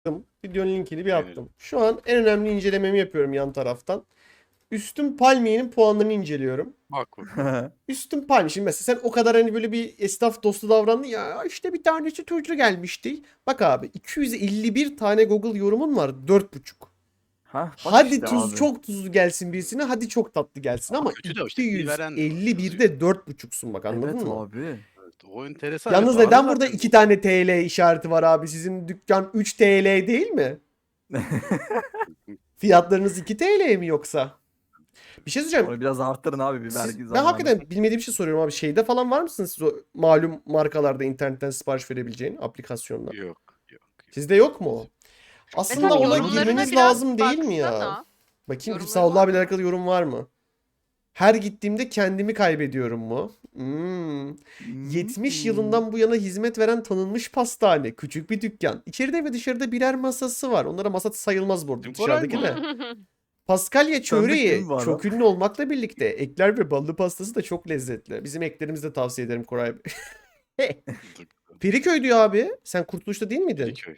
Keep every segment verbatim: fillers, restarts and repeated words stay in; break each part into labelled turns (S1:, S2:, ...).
S1: Videonun linkini bir
S2: Beğenirim.
S1: attım. Şu an en önemli incelememi yapıyorum yan taraftan. Üstün Palmiye'nin puanlarını inceliyorum.
S2: Bak bakalım.
S1: Üstün Palmiye. Şimdi mesela sen o kadar hani böyle bir esnaf dostu davrandın ya, işte bir tanesi turcu gelmişti. Bak abi, iki yüz elli bir tane Google yorumun var. dört buçuk.
S3: Ha bak
S1: Hadi
S3: işte
S1: tuz
S3: abi.
S1: çok tuzlu gelsin birisine, hadi çok tatlı gelsin
S2: Ama
S1: ama
S2: kötü de işte iyi veren de var, yazıyor.
S1: iki yüz elli birde dört buçuksun bak, anladın
S3: Evet
S1: mı?
S3: abi.
S2: Evet, o enteresan.
S1: Yalnız
S2: Evet, ara
S1: neden burada
S2: zaten
S1: iki
S2: bu.
S1: tane T L işareti var abi? Sizin dükkan üç T L değil mi? Fiyatlarınız iki T L mi yoksa? Bir şey söyleyeceğim.
S3: Onu biraz arttırın abi bir
S1: Siz,
S3: vergi
S1: ben
S3: zamanı.
S1: hakikaten bilmediğim bir şey soruyorum abi. Şeyde falan var mısınız siz o malum markalarda internetten sipariş verebileceğin aplikasyonla?
S2: Yok, yok, yok.
S1: Sizde yok mu o?
S2: Çok
S1: Aslında
S4: Mesela
S3: Yok,
S1: ona
S3: yorumlarına
S1: girmeniz
S4: biraz
S1: lazım değil mi ya?
S4: baksana.
S1: Bakayım
S4: Yorumları
S1: Sağol
S4: var
S1: abiyle
S4: mı?
S1: alakalı yorum var mı? Her gittiğimde kendimi kaybediyorum mu? Hmm. yetmiş
S3: Hmm.
S1: yılından bu yana hizmet veren tanınmış pastane. Küçük bir dükkan. İçeride ve dışarıda birer masası var. Onlara masa sayılmaz bu arada,
S2: Bizim Koray
S1: dışarıdaki
S2: mı?
S1: de. Paskalya
S3: Tanıdık değil
S1: çöreği
S3: mi bu
S1: çok
S3: adam?
S1: ünlü olmakla birlikte ekler ve ballı pastası da çok lezzetli. Bizim eklerimizi de tavsiye ederim Koray Bey. Feriköy diyor abi. Sen Kurtuluş'ta değil miydin?
S2: Feriköy.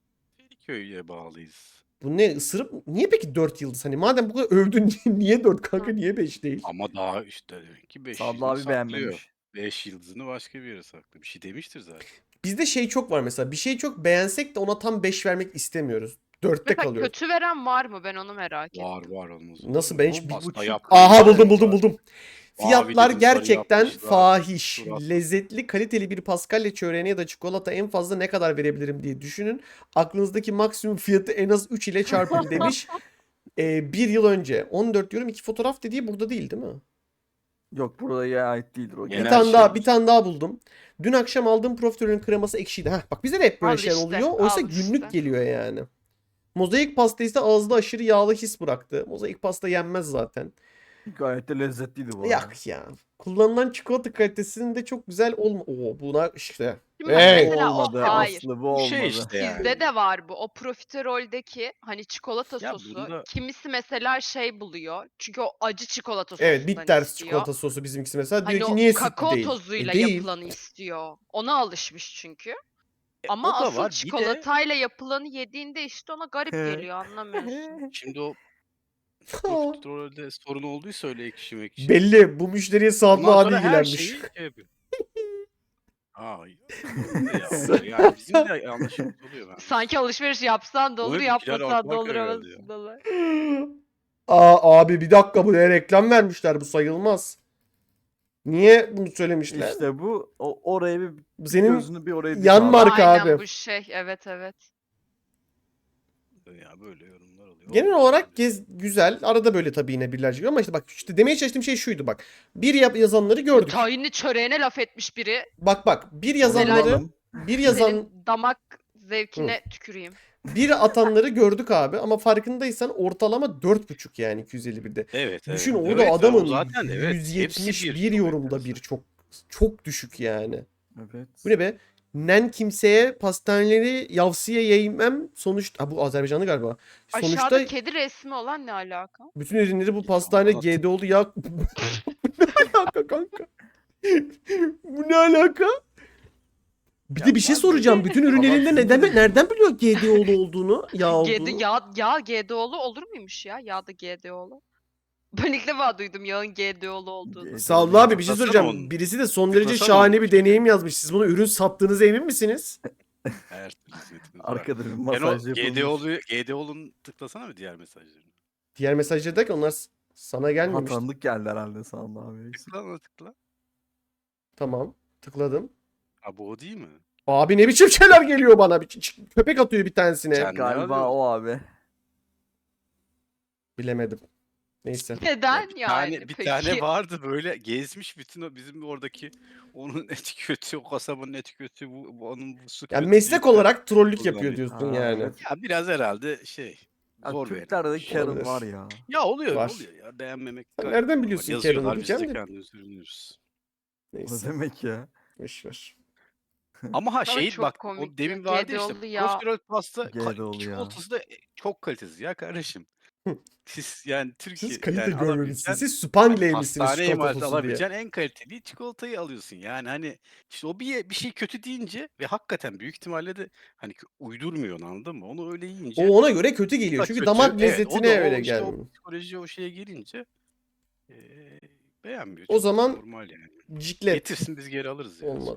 S2: Feriköy'e bağlıyız.
S1: Bu ne, ısırıp niye peki dört yıldız? Hani madem bu kadar övdün niye dört kanka, niye beş değil?
S2: Ama daha işte demek ki beş
S3: Sadlı
S2: yıldızını
S3: abi
S2: saklıyor.
S3: beğenmemiş.
S2: beş yıldızını başka bir yere saklıyor. Bir şey demiştir zaten.
S1: Bizde şey çok var mesela. Bir şeyi çok beğensek de ona tam beş vermek istemiyoruz. dörtte
S4: Mesela
S1: kalıyoruz.
S4: kötü veren var mı? Ben onu merak
S2: Var
S4: ettim.
S2: var olmaz olur
S1: Nasıl,
S2: mu?
S1: ben
S2: O
S1: hiç...
S3: Bir
S2: pasta
S3: buçuk.
S2: yapmışlar.
S1: Aha, buldum buldum buldum.
S2: Mavi
S1: Fiyatlar
S2: dedim, sarı
S1: gerçekten
S2: yapmışlar.
S1: fahiş.
S2: Surat.
S1: Lezzetli, kaliteli bir paskalya çöreğine ya da çikolata en fazla ne kadar verebilirim diye düşünün. Aklınızdaki maksimum fiyatı en az üç ile çarpın demiş. Ee, bir yıl önce. on dört diyorum, iki fotoğraf dediği burada değil değil mi?
S3: Yok buraya ait değildir o.
S1: Bir
S2: Genel
S1: tane
S2: şey
S1: daha,
S2: var.
S1: bir tane daha buldum. Dün akşam aldığım profiterolün kreması ekşiydi. Heh, bak bize de hep böyle
S4: Al
S1: şeyler
S4: işte,
S1: oluyor. Oysa
S4: al
S1: günlük
S4: işte.
S1: geliyor yani. Mozaik pasta ise ağızda aşırı yağlı his bıraktı. Mozaik pasta yenmez zaten.
S3: Gayet de lezzetliydi bu arada.
S1: Yak ya. Kullanılan çikolata kalitesinin de çok güzel olma. Oo, buna işte.
S4: Şimdi
S1: Hey!
S3: Bu
S4: mesela o
S3: olmadı
S4: hayır.
S3: Aslı bu
S2: Bu
S3: olmadı.
S2: şey işte yani.
S4: Bizde de var bu. O profiteroldeki hani çikolata
S2: Ya
S4: sosu.
S2: bunda
S4: Kimisi mesela şey buluyor. Çünkü o acı çikolata
S1: Evet,
S4: sosundan
S1: bitter
S4: istiyor.
S1: çikolata sosu bizimkisi mesela.
S4: Hani
S1: Diyor ki
S4: o
S1: niye sütlü
S4: kakao
S1: değil?
S4: tozuyla
S1: E değil.
S4: yapılanı istiyor. Ona alışmış çünkü.
S2: e,
S4: Ama
S2: o da
S4: asıl
S2: var. Bir de
S4: çikolatayla yapılanı yediğinde işte ona garip geliyor, anlamıyorsun.
S2: şimdi o profiterolde sorun olduysa öyle ekşi mekşi.
S1: Belli. Bu müşteriye Sadlı
S2: Ondan
S1: abi
S2: sonra her
S1: ilgilenmiş.
S2: şeyi şey yapıyor. Aa, öyle de ya. Öyle yani bizim de yanlışımız oluyor ben.
S4: Sanki alışveriş yapsan da
S2: Buna
S4: olur,
S2: bir kiler
S4: yapmasan da
S2: atmak
S4: olur
S2: herhalde ya.
S4: havasındalar.
S1: Aa, abi bir dakika, buraya reklam vermişler. Bu sayılmaz. Niye bunu söylemişler?
S3: İşte bu o, oraya bir
S1: Bu senin
S3: gözünü bir oraya dik
S1: yan
S3: abi.
S1: marka
S4: Aynen
S1: abi.
S4: bu şey. Evet evet.
S2: Ya böyle yorumlar oluyor.
S1: Genel
S2: Olmaz
S1: olarak
S2: öyle.
S1: gez, güzel. Arada böyle tabii yine birler çıkıyor ama işte bak, işte demeye çalıştığım şey şuydu bak. Bir yap yazanları
S4: O
S1: gördük.
S4: tahinli çöreğine laf etmiş biri.
S1: Bak bak, bir
S3: Onu
S1: yazanları
S3: bulalım.
S1: bir yazan
S4: Senin damak zevkine tüküreyim.
S1: bir atanları gördük abi ama farkındaysan ortalama dört buçuk yani iki yüz elli birde.
S2: Evet evet.
S1: Düşün, orada
S2: Evet,
S1: adamın
S2: o zaten evet. Hepsi
S1: yüz yetmiş bir
S2: bir. Çok
S1: yorumda bir,
S2: enteresan.
S1: çok çok düşük yani.
S3: Evet.
S1: Bu ne be? Nen kimseye pastaneleri yavsiye yemem sonuçta. Ha, bu Azerbaycanlı galiba. Sonuçta
S4: Aşağıda kedi resmi olan ne alaka?
S1: bütün ürünleri bu
S2: Ya,
S1: pastane
S2: anlat.
S1: G D O'lu ya. Bu ne alaka kanka? Bu ne alaka? Bir
S2: Ya
S1: de bir şey
S2: var
S1: soracağım.
S2: böyle
S1: Bütün ürünlerinde
S3: Adam
S1: neden
S3: sinirli.
S1: nereden biliyor G D O'lu olduğunu, yağ
S4: G D,
S1: olduğunu?
S4: yağ, yağ G D O'lu olur muymuş ya? Yağ da G D O'lu. Ben ilk defa duydum yağın G D O'lu olduğunu.
S1: Sağ ol abi, bir şey
S2: Tıklasana
S1: soracağım.
S2: onun.
S1: Birisi de son derece
S2: Tıklasana onun
S1: şahane bir
S2: şeyini.
S1: deneyim yazmış. Siz bunu ürün sattığınıza emin misiniz?
S2: Her türlü hizmetimiz var.
S3: Arkada bir
S2: Ben o
S3: masaj yapılmış.
S2: GDO'lu GDO'lunun tıklasana mı diğer mesajlarını?
S1: Diğer mesajda der ki onlar s- sana
S3: Ha,
S1: gelmemiş.
S3: tanıdık geldi herhalde Sağlı abi.
S2: Tıkla ona tıkla.
S1: Tamam. Tıkladım.
S2: Ha bu o değil mi?
S1: Abi ne biçim şeyler geliyor bana. Bir ç- ç- köpek atıyor bir tanesine.
S2: Sen- ne
S3: Galiba
S2: alıyorsun?
S3: o abi.
S1: Bilemedim. Neyse.
S4: Neden
S2: bir
S4: yani
S2: tane bir
S4: peki?
S2: tane vardı böyle gezmiş bütün o bizim oradaki onun eti kötü, o kasabanın eti kötü, bu, bu onun bu su
S1: Yani
S2: kötü
S1: meslek
S2: deyip de
S1: olarak trollük yapıyor
S2: kullanıyor.
S1: diyorsun
S3: Ha,
S1: yani.
S3: evet.
S2: Ya biraz herhalde şey
S3: Ya,
S2: zor
S3: Türklerde
S2: verilmiş.
S3: Karen
S1: Olabilir.
S3: var ya.
S2: Ya oluyor
S1: Var.
S2: oluyor ya beğenmemek
S1: Sen
S2: gayet
S1: nereden
S2: normal.
S1: biliyorsun Karen'ı
S2: Yazıyorlar biz de
S1: diyeceğim de.
S2: kendimiz ürünüyoruz.
S3: O ne
S1: Neyse.
S3: demek ya?
S1: Boş ver.
S2: Ama ha
S4: Ama
S2: şey
S4: çok
S2: bak
S4: komik
S2: o
S4: ya.
S2: demin vardı ya işte
S4: G D O'lu yağ.
S2: profiterol pasta ka-
S3: G D O'lu ya.
S2: çikolatası da e, çok kalitesiz ya kardeşim. Siz yani Türkiye
S1: Siz kalite
S2: yani
S1: görmemişsiniz.
S2: alabileceğin
S1: Siz Spangley
S2: hani
S1: misiniz
S2: hastane
S1: çikolata
S2: imalatı
S1: sosu diye.
S2: alabileceğin en kaliteli çikolatayı alıyorsun. Yani hani işte o bir bir şey kötü deyince ve hakikaten büyük ihtimalle de hani kö- uydurmuyor onu, anladın mı? Onu öyle yiyince
S1: O ona göre kötü
S2: o
S1: geliyor.
S2: da
S1: Çünkü
S2: kötü.
S1: damak
S2: Evet, o
S1: lezzetine
S2: da
S1: öyle
S2: o işte o
S1: gelmiyor.
S2: psikoloji o şeye gelince eee, beğenmiyor.
S1: O
S2: Çok
S1: zaman
S2: normal yani.
S1: ciklet
S2: Getirsin biz geri alırız ya.
S1: olmadı.